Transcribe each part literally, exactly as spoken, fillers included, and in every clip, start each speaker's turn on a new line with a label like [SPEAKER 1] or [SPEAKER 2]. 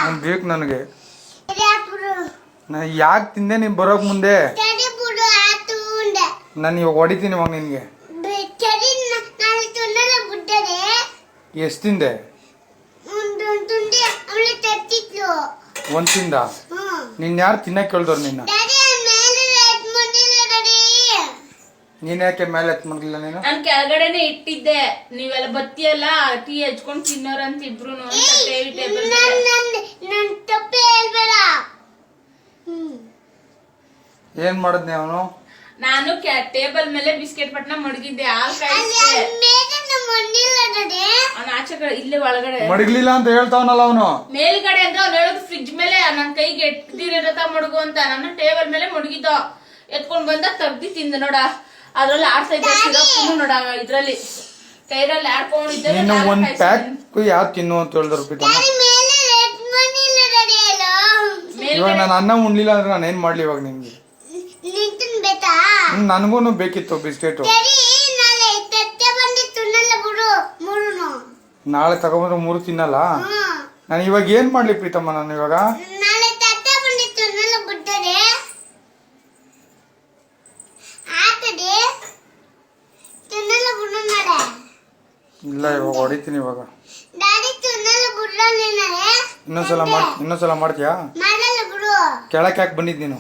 [SPEAKER 1] ಬೇಕು ನನಗೆ. ಯಾಕೆ ತಿಂದೆ ನೀನ್ ಬರೋಕ್ ಮುಂದೆ? ನಾನು ಇವಾಗ ಹೊಡಿತೀನಿ ಇವಾಗ ನಿನ್ಗೆ. ಎಷ್ಟು ತಿಂದೆ? ಒಂದ್ ತಿಂದ? ನಿನ್ ಯಾರು ತಿನ್ನಕ್ ಕೇಳ್ದವ್ರು ನಿನ್ನ? ನೀನ್ ಯಾಕೆ ಮೇಲೆ ಎತ್ ಮಾಡ್ಲಿಲ್ಲ ನೀನು?
[SPEAKER 2] ನಾನ್ ಕೆಳಗಡೆನೆ ಇಟ್ಟಿದ್ದೆ, ನೀವೆಲ್ಲ ಬತ್ತಿಯಲ್ಲ ಟೀ ಹಚ್ಕೊಂಡ್ ತಿನ್ನೋರ್ ಅಂತ ಇಬ್ರು.
[SPEAKER 1] ಏನ್ ಮಾಡದ್ನಿ ಅವನು?
[SPEAKER 2] ನಾನು ಟೇಬಲ್ ಮೇಲೆ ಬಿಸ್ಕೆಟ್ ಪಟ್ನ ಮಡಗಿದ್ದೆ, ಹಾಲ್ ಆಚೆ ಕಡೆ ಇಲ್ಲೇ ಒಳಗಡೆ
[SPEAKER 1] ಮಡಗ್ಲಿಲ್ಲ ಅಂತ ಹೇಳ್ತಾವನಲ್ಲ ಅವನು.
[SPEAKER 2] ಮೇಲ್ಗಡೆ ಅಂದ್ರೆ ಅವ್ನು ಹೇಳೋದು ಫ್ರಿಡ್ಜ್ ಮೇಲೆ ನನ್ ಕೈಗೆ ಎಟ್ದಿರತ ಮಡಗು ಅಂತ. ನಾನು ಟೇಬಲ್ ಮೇಲೆ ಮಡಗಿದ್ದ, ಎತ್ಕೊಂಡ್ ಬಂದ ತಗ್ದಿ ತಿಂದ ನೋಡ. ಅದ್ರಲ್ಲಿ ಆಡ್ತಾ ಇದ್ದ ಸಿರಪ್ ನೋಡ, ಇದ್ರಲ್ಲಿ ಕೈರಲ್ಲಿ ಆಡ್ಕೊಂಡಿದ್ದೆ.
[SPEAKER 1] ಒಂದ್ ಪ್ಯಾಕ್ ಯಾವ್ದು ತಿನ್ನು ಅಂತ ಹೇಳಿದ್ರು. ಇವಾಗ ನಾನು ಅನ್ನ ಉಣ್ಲಿಲ್ಲ ಅಂದ್ರೆ ನಾನು ಏನ್ ಮಾಡ್ಲಿ ಇವಾಗ ನಿಮ್ಗೆ? ನನ್ಗೂನು ಬೇಕಿತ್ತು ಬಿಸ್ಕೆಟ್. ನಾಳೆ ತಗೊಂಡ್ರೆ ಮೂರು ತಿನ್ನಲ್ಲ. ನಾನು ಇವಾಗ ಏನ್ ಮಾಡ್ಲಿ ಪ್ರೀತಮ್ಮ? ನಾನು ಇವಾಗ ಇಲ್ಲ, ಇವಾಗ ಹೊಡಿತೀನಿ. ಇವಾಗ ಇನ್ನೊಂದ್ಸಲ ಮಾಡ್ ಇನ್ನೊಂದ್ಸಲ ಮಾಡ್ತೀಯಾ? ಕೆಳಕ್ಕೆ ಯಾಕೆ ಬಂದಿದ್ ನೀನು?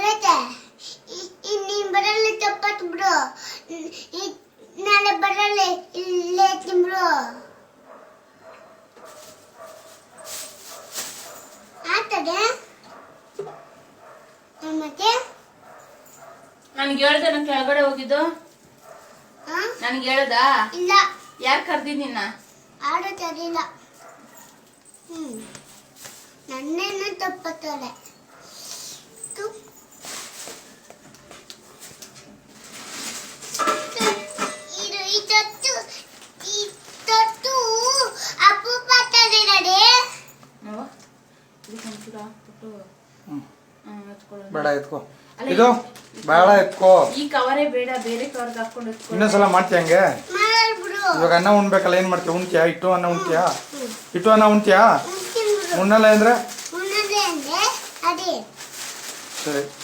[SPEAKER 2] ನನ್ಗೆ ಹೇಳ್ದೆ ನನ್ ಕೆಳಗಡೆ ಹೋಗಿದ್ದು? ನನ್ಗೆ ಹೇಳ್ದ?
[SPEAKER 3] ಇಲ್ಲ.
[SPEAKER 2] ಯಾರು ಕರ್ದಿದ್ ನಿನ್ನ?
[SPEAKER 3] ಆಡೋ ಸರಿಲ್ಲ. ಹ್ಮ್ ನನ್ನೇನು ತಪ್ಪತ್ತೋಳೆ. ಇದು ಈ ತೊಟ್ಟು ಈ ತೊಟ್ಟು ಅಪೂಪ ತಡೆರಡೆ.
[SPEAKER 1] ಬೇಡ ಎತ್ಕೋ, ಇದು ಬೇಡ ಎತ್ಕೋ.
[SPEAKER 2] ಈ ಕವರೇ ಬೇಡ, ಬೇರೆ ಕವರ್ಗೆ ಹಾಕೊಂಡು
[SPEAKER 1] ಇನ್ನೊಂದ್ಸಲ ಮಾಡ್ತೀಯ ಹಂಗೆ? ಇವಾಗ ಅನ್ನ ಉಣ್ಬೇಕಲ್ಲ, ಏನ್ ಮಾಡ್ತೀಯ? ಉಣ್ತೀಯಾ? ಇಟ್ಟು ಅನ್ನ ಉಣ್ತೀಯಾ? ಇಟ್ಟು ಅನ್ನ ಉಣ್ತೀಯಾ? ಉಣ್ಣಲ್ಲ ಅಂದ್ರೆ
[SPEAKER 3] ಸರಿ.